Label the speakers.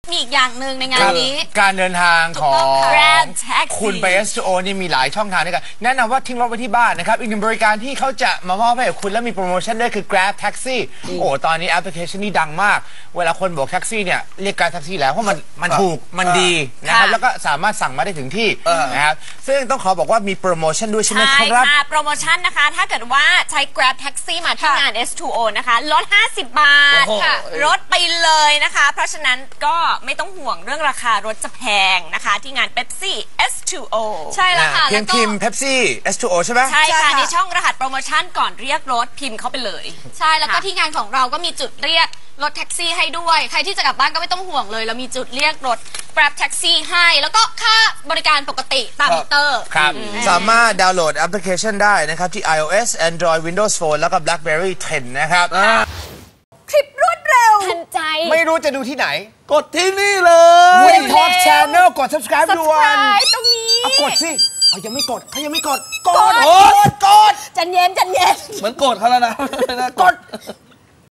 Speaker 1: มีอีกอย่างหนึ่งในงานนี้
Speaker 2: การเดินทางของ
Speaker 1: Grab Taxi
Speaker 2: คุณไป S2O นี่มีหลายช่องทางด้วยกันแนะนำว่าทิ้งรถไว้ที่บ้านนะครับอีกหนึ่งบริการที่เขาจะมามอบให้กับคุณและมีโปรโมชั่นด้วยคือ Grab Taxi โอ้ตอนนี้แอปพลิเคชันนี้ดังมากเวลาคนบอกแท็กซี่เนี่ยเรียกGrab Taxiแล้วเพราะมันถูกมันดีนะครับแล้วก็สามารถสั่งมาได้ถึงที่นะครับซึ่งต้องขอบอกว่ามีโปรโมชั่นด้วยใช่ไหมครับ
Speaker 1: โปรโมชั่นนะคะถ้าเกิดว่าใช้ Grab Taxi มาที่งาน S2O นะคะลด50 บาทลดไปเลยนะคะเพราะฉะนั้นก็ไม่ต้องห่วงเรื่องราคารถจะแพงนะคะที่งาน Pepsi S2O
Speaker 3: ใช่แล้วค่ะ
Speaker 2: เพียงพิมพ์ Pepsi S2O ใช่ไหม
Speaker 1: ใช่ค่ะในช่องรหัสโปรโมชั่นก่อนเรียกรถพิมพ์เข้าไปเลย
Speaker 3: ใช่แล้วก็ที่งานของเราก็มีจุดเรียกรถแท็กซี่ให้ด้วยใครที่จะกลับบ้านก็ไม่ต้องห่วงเลยเรามีจุดเรียกรถ Grab Taxi ให้แล้วก็ค่าบริการปกติตามมิเตอร์
Speaker 2: ครับสามารถดาวน์โหลดแอปพลิเคชันได้นะครับที่ iOS Android Windows Phone แล้วก็ BlackBerry 10 นะครับ
Speaker 1: คลิปรวดเร็ว
Speaker 3: ทันใจ
Speaker 2: ไม่รู้จะดูที่ไหน
Speaker 4: กดที่นี่เลย
Speaker 2: Win Talk Channel กด subscribe ด่วน
Speaker 1: ตรงนี้
Speaker 2: กดสิเขายังไม่กด
Speaker 1: จันเย็น
Speaker 4: เหมือนโกรธเขาแล้วนะ
Speaker 2: กด